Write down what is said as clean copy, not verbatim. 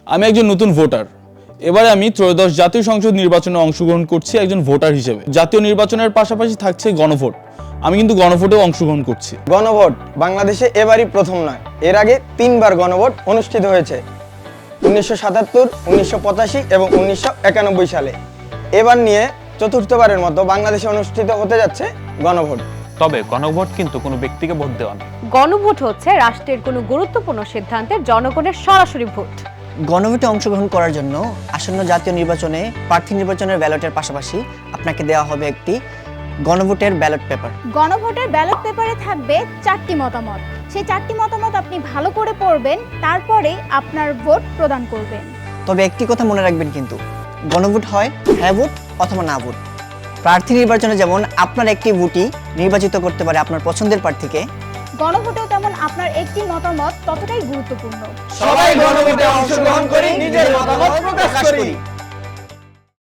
আমি একজন নতুন ভোটার। এবারে আমি ত্রয়োদশ জাতীয় সংসদ নির্বাচনে অংশগ্রহণ করছি একজন ভোটার হিসেবে। জাতীয় নির্বাচনের পাশাপাশি থাকছে গণভোট। আমি কিন্তু গণভোটেও অংশগ্রহণ করছি। গণভোট বাংলাদেশে এবারই প্রথম নয়, এর আগে 3বার গণভোট অনুষ্ঠিত হয়েছে, 1977, 1985 এবং 1991 সালে। এবার নিয়ে চতুর্থবারের মতো বাংলাদেশে অনুষ্ঠিত হতে যাচ্ছে গণভোট। তবে গণভোট কিন্তু কোনো ব্যক্তিকে ভোট দেওয়া না। গণভোট হচ্ছে রাষ্ট্রের কোনো গুরুত্বপূর্ণ সিদ্ধান্তের জনগণের সরাসরি ভোট। গণভোটে অংশগ্রহণ করার জন্য আসন্ন জাতীয় নির্বাচনে প্রার্থী নির্বাচনের ব্যালটের পাশাপাশি আপনাকে দেওয়া হবে একটি গণভোটের ব্যালট পেপার। গণভোটের ব্যালট পেপারে থাকবে 4টি মতামত। সেই 4টি মতামত আপনি ভালো করে পড়বেন, তারপরে আপনার ভোট প্রদান করবেন। তবে একটি কথা মনে রাখবেন, কিন্তু গণভোট হয় হ্যাঁ ভোট অথবা না ভোট। প্রার্থী নির্বাচনে যেমন আপনার একটি ভোটই নির্বাচিত করতে পারে আপনার পছন্দের প্রার্থীকে, গণভোটেও তেমন আপনার একটি মতামত ততটাই গুরুত্বপূর্ণ। সবাই গণভোটে অংশগ্রহণ করি, নিজের মতামত প্রকাশ করি।